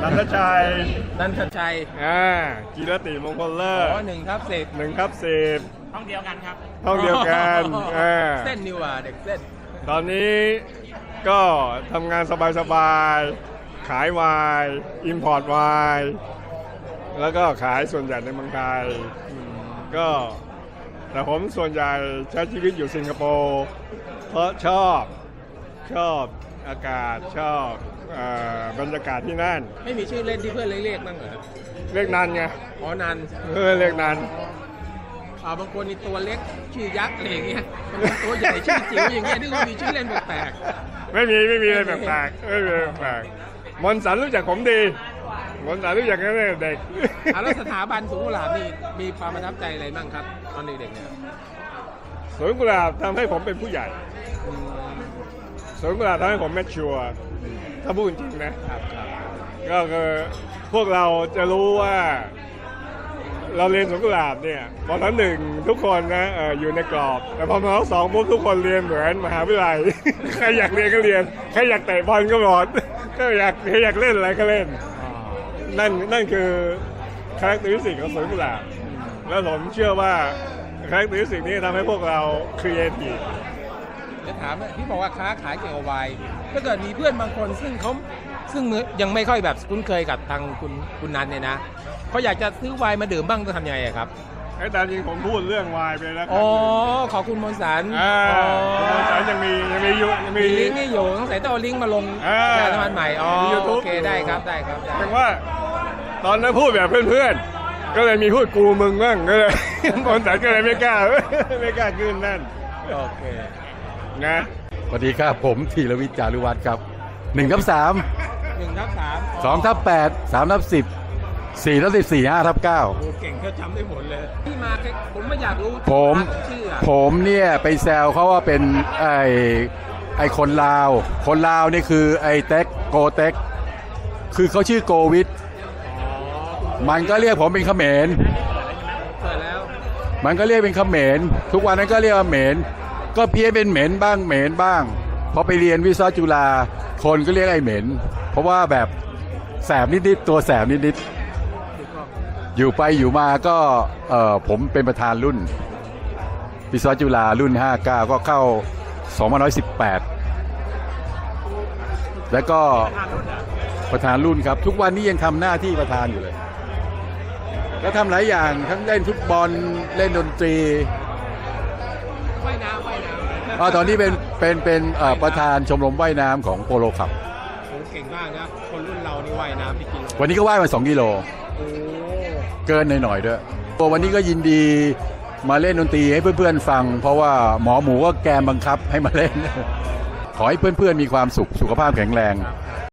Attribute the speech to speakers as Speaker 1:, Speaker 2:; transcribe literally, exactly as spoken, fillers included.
Speaker 1: นันทชัย
Speaker 2: นันทชัย
Speaker 1: อ่ากีรติมงคลเลิศ
Speaker 2: อ๋อหนึ่งทับสิบ
Speaker 1: หนึ่งทับสิบ
Speaker 2: ห้องเดียวกันครับ
Speaker 1: ห้องเดียวกันอ่า
Speaker 2: เส้นนิวอ่ะเด็กเส้น
Speaker 1: ตอนนี้ก็ทำงานสบายๆ ขายไวน์อิมพอร์ตไวน์แล้วก็ขายส่วนใหญ่ในเมืองไทยก็แต่ผมส่วนใหญ่ใช้ชีวิตอยู่สิงคโปร์เพราะชอบชอบอากาศชอบเอ่อบรรยากาศที่นั่น
Speaker 2: ไม่มีชื่อเล่นที่เพื่อนเรียกบ้างเหรอ
Speaker 1: เรียกนันไง
Speaker 2: อ๋อนัน
Speaker 1: เออเรียกนัน
Speaker 2: อ่าบางคนนี่ตัวเล็กชื่อยักษ์อะไรอย่างเงี้ยบางคนตัวใหญ่ชื่อจิ๋วอย่างเงี้ยที่ก็มีชื่อเล่นแปลก
Speaker 1: ไม่มีไม่มีอะไรแปลกๆไม่มีอะไรแปลกๆมนต์สันรู้จักผมดีมนต์สันรู้จักกันตั้งแต่เด็ก
Speaker 2: ๆอ่าแล้วสถาบันสวนกุหลาบนี่มีความประทับใจอะไรบ้างครับตอนเด็กๆเนี่ย
Speaker 1: สวนกุหลาบทำให้ผมเป็นผู้ใหญ่สวนกุหลาบทำให้ผมแมชชัวร์ถ้าพูดจริงนะครับ
Speaker 2: ครับ
Speaker 1: ก็คือพวกเราจะรู้ว่าเราเรียนสวนกุหลาบเนี่ยมอหนึ่งทุกคนนะเอออยู่ในกรอบแต่พอมอสองปุ๊บทุกคนเรียนเหมือนมหาวิทยาลัย ใครอยากเรียนก็เรียนใครอยากเตะบอลก็บอลก็อยากใครอยากเล่นอะไรก็เล่น
Speaker 2: อ๋อ
Speaker 1: นั่นนั่นคือคาแรคเตอร์สิ่งของสวนกุหลาบแล้วผมเชื่อว่าคาแรคเตอร์สิ่งนี้ทำให้พวกเราครีเอทีฟ
Speaker 2: จะถามว่าที่บอกว่าค้าขายเกี่ยวกับไวน์ถ้าเกิดมีเพื่อนบางคนซึ่งเขาซึ่งยังไม่ค่อยแบบคุ้นเคยกับทางคุณคุณนันเนี่ยนะเขาอยากจะซื้อไวน์มาดื่มบ้างต้องทำยังไงอะครับ
Speaker 1: ไอ้ตามจริงผมพูดเรื่องวายไปแล้วครั
Speaker 2: อ๋
Speaker 1: บ
Speaker 2: อขอบคุณมนต์สาร
Speaker 1: อ่า
Speaker 2: อ๋อ
Speaker 1: คุณสารยังมียังมีอยู่ยัง
Speaker 2: มี
Speaker 1: มี
Speaker 2: ลิงก์ให้อยู่ต้องใส่ต้องเอาลิงก์มาลง
Speaker 1: อ่า
Speaker 2: แชร์ธรรมะใหม่อ๋อ
Speaker 1: มี YouTube
Speaker 2: โอเคได้ครับได้ครับได้
Speaker 1: แต่ว่าตอนนั้นพูดแบบเพื่อนๆก็เลยมีพูดกูมึงบ้างก็เลย คนสารก็เลยไม่กล้า ไม่กล้าขึ้นนั่น
Speaker 2: โอเค
Speaker 1: นะ
Speaker 3: สวัสดีครับผมธีรวิทย์จารุวัฒน์ครับหนึ่งทับสาม
Speaker 2: หนึ่งทับสาม
Speaker 3: สองทับแปดสามทับสิบสี่ทับสิบสี่ห้าทับเก้า
Speaker 2: โอ้เก่งเขาจำได้หมดเลยที่มาแค่ผมไม่อยากรู้
Speaker 3: ผม
Speaker 2: ชื่ออะ
Speaker 3: ผมเนี่ยไปแซวเขาว่าเป็นไอไอคนลาว คนลาวนี่คือไอเต็กโกเต็กคือเขาชื่อโกวิท
Speaker 2: อ๋อ
Speaker 3: มันก็เรียกผมเป็นเขมร
Speaker 2: เปิดแล้ว
Speaker 3: มันก็เรียกเป็นเขมรทุกวันนั้นก็เรียกว่าเหมรก็เพี้ยนเป็นเหม็นบ้างเหม็นบ้างพอไปเรียนวิศวะจุฬาคนก็เรียกไอ้เหม็นเพราะว่าแบบแสบนิดๆตัวแสบนิดๆอยู่ไปอยู่มาก็เออผมเป็นประธานรุ่นวิศวะจุฬารุ่นห้าสิบเก้าก็เข้าสองพันห้าร้อยสิบแปดแล้วก็ประธานรุ่นครับทุกวันนี้ยังทำหน้าที่ประธานอยู่เลยแล้วทำหลายอย่างทั้งเล่นฟุตบอลเล่นดนตรี
Speaker 2: ว่ายน้ำว่ายน้ำ
Speaker 3: อ๋อตอนนี้เป็นเป็นเป็นเอ่อประธานชมรมว่ายน้ำของโปโลคับ
Speaker 2: โอ้เก่งมากนะคนรุ่นเรานี่ว่ายน้ำกี่กิโล
Speaker 3: วันนี้ก็ว่ายมาสองกิโล
Speaker 2: โอ้
Speaker 3: เกินหน่อยๆด้วยตัววันนี้ก็ยินดีมาเล่นดนตรีให้เพื่อนๆฟัง เพราะว่าหมอหมูก็แกมบังคับให้มาเล่น ขอให้เพื่อนๆมีความสุขสุขภาพแข็งแรง